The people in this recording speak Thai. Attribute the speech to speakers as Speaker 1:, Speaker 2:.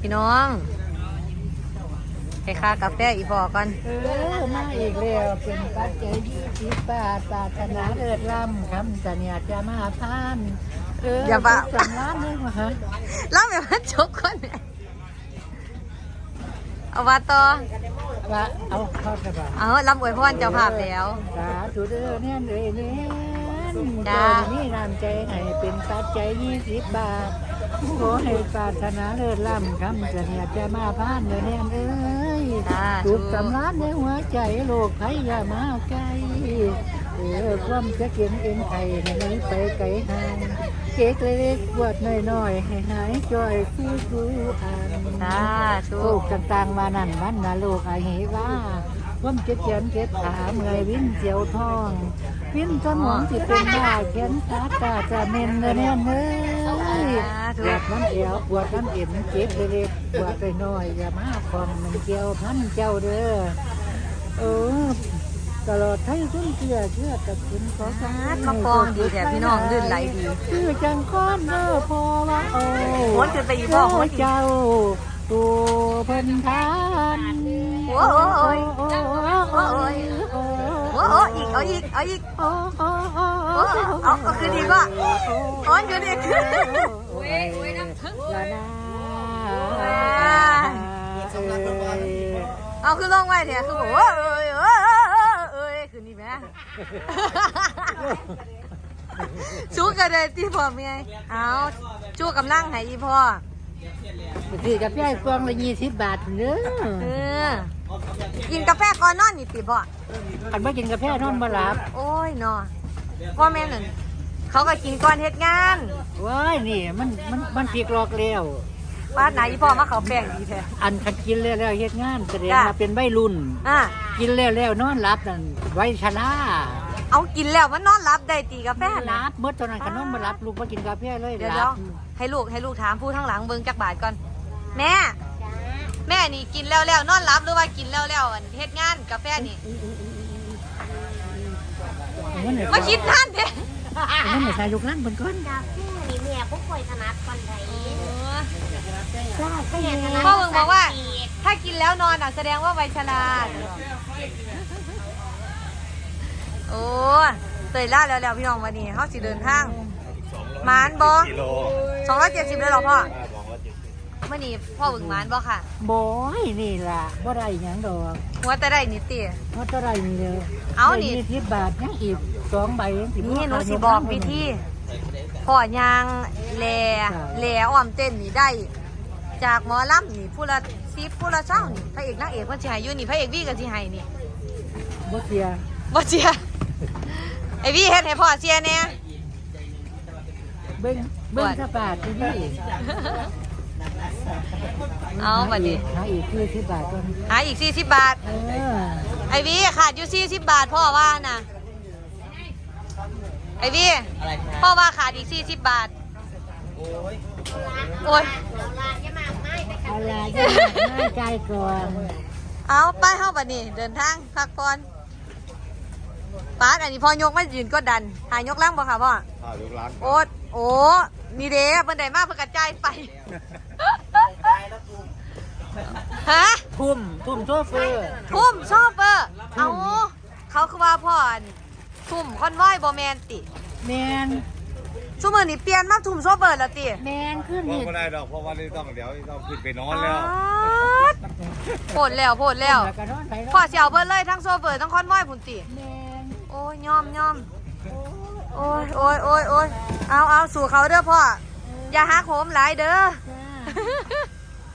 Speaker 1: พี่น้องไปค่ากาแฟอีพอกัน
Speaker 2: มาอีกแล้วเป็นปัจจัย20 บาทปรารถนาเลิศล้ำคำสัญญาจะมาพาน
Speaker 1: อย่าบ้า
Speaker 2: สำล้านนึงมาฮะ
Speaker 1: เล่าแบบว่าจบก่อนเนี่ยเอาว่าต่อ
Speaker 2: ว่าเอาเข้าไปบ่
Speaker 1: เอาลำอวยพรเจ้าภาพแล้ว
Speaker 2: สาธุเด้อเนี่ยเลยเนี่ยนี่น้ำใจให้เป็นปัจจัย20 บาทขอให้ปรารถนาเลิศล้ำคำสัญญาจะมาพานเด้อเนี่ยเอ้ยถูกสำล้านในหัวใจโลกไผอย่ามาไกลความจะเก็บเองไข่ให้ไหนไปไกลห่างเค้กเล็กๆบวดน้อยๆให้หายจ่อยคู่อันโลกต่างๆมานั่นมันนะโลกไอ้เหว่าความเจ็บเขียนเจ็บขาเมื่อยวิ่นเจียวท้องวิ่นสมองที่เป็นบ้าแขนขาตาจะเมนเนื้อเนื้อปวดน้ำเอวปวดน้ำเอ็นเจ็บเล็กๆปวดน้อยๆอย่ามาคอมมันเกี่ยวพันเจ้าเด้อตลอดให้ต้นเชื่อกับคุณขอสาธุ
Speaker 1: มาปองดีแถบพี่น้องลื่นไหลดี
Speaker 2: คือจังก้อนเด้อพอว่าโอ้
Speaker 1: โหจะไปอีบอกว่า
Speaker 2: เจ้าตัวเพิ่นทาน
Speaker 1: โอ้ยอีกเอาคือดีก็อ๋ออยู่ดีโอ้ยน้ำทึ่งเอาคือลงไว้เนี่ยคือบอกว่าคืนนี้แม่ชูกันเลยที่พ่อเมียเอาชูกำลังให้อีพ่อ
Speaker 2: ซื้อกาแฟกล่องละ20 บาทเด้
Speaker 1: อกินกาแฟก่อนนอนนี่ติพ่อ
Speaker 2: อันว่ากินกาแฟนอนบ่หลับ
Speaker 1: โอ้ยนอนพ่อแม่หนึ่งเขาก็กินก่อนเฮ็ดงาน
Speaker 2: ว้ายนี่มันผิดหลอกแล้ว
Speaker 1: บ้านไหนอีพ่อมาเขาแป้งดีแท้
Speaker 2: อันคันกินแล้วเฮ็ดงานแสดงว่าเป็นวัยรุ่นกินแล้วนอนหลับนั่นไว้ชรา
Speaker 1: เอากินแล้วมันนอนหลับได้ตีกาแฟ
Speaker 2: หลับเมื่อตอนนั้นขนมมาหลับลูกมากินกาแฟเลย
Speaker 1: เดี๋ยวให้ลูกถามผู้ทั้งหลังเบิ่งจักบาทก่อนแม่นี่กินแล้วนอนหลับหรือว่ากินแล้วเฮ็ดงานกาแฟนี่มาคิดท่านเด้
Speaker 2: นั่นไม่ใช่ยกนั่งบนก้น
Speaker 3: กาแฟนี่แม่บ่ค่อยถนัดปานใด
Speaker 1: พ่อเบิ่งบอกว่าถ้ากินแล้วนอนแสดงว่าวัยชราโอ้เตยล่าแล้วพี่น้องวันนี้เขาสิเดินทางมานบอ270เลยหรอพ่อเมื่อนี้พ่อบึงมานบอค่ะ
Speaker 2: บอยนี่ล่ะบ่ได้หยังดอก
Speaker 1: หัวแต่ได้นิดเตี้ย
Speaker 2: หัวแต่ได้นี่เลย
Speaker 1: เอานี่
Speaker 2: 10 บาทยังอีก2 ใบ
Speaker 1: นี่หนูสิบอกวิธีพ่อยางแหล่อ้อมเต้นนี่ได้จากหมอลำนี่ผู้ละ10ผู้ละเช้านี่พระเอกนางเอกคนสิให้อยู่นี่พระเอกวี่ก็สิให้นี่
Speaker 2: บ่เสีย
Speaker 1: ไอวี่เฮ็ดให้พ่อเสียแน่
Speaker 2: เบิ้งสปาดที่นี่
Speaker 1: เอาบัดนี้
Speaker 2: หาอีก40 บาทก่อน
Speaker 1: หาอีก40 บาทไอวี่ขาดอยู่40 บาทพ่อว่านะไอวี่พ่อว่าขาดอีก40 บาทโอ้ย
Speaker 2: อะไรง่ายใจก่อน
Speaker 1: เอาไปเข้าบัดนี้เดินทางพักผ่อนป้าอันนี้พ่อยกไม่ยืนก็ดันหายกล้างบ่ค่ะพ่อยกล้างโอ้นี่เด้เพิ่นได้มากเพิ่นกระจายไปฮะ
Speaker 2: ทุ่มโชเฟอร์
Speaker 1: เอาเขาคือว่าพ่อทุ่มคอนวอยบ่แมนติ
Speaker 2: แมน
Speaker 1: ชั่วโมงนี้เปลี่ยนมาทุ่มโชเฟอร์แล้วติ
Speaker 2: แมนขึ้น
Speaker 4: นี่บ่ได้ดอกเพราะว่านี่ต้องเดี๋ยวต้องขึ้นไปนอนแล้ว
Speaker 1: โผล่แล้วพ่อเสียวเบิดเลยทั้งโชเฟอร์ทั้งคอนวอยพุ่นติโอ้ยยอมโอ้ยเอาสู่เขาเด้อพ่ออย่าหักโหมหลายเด้อ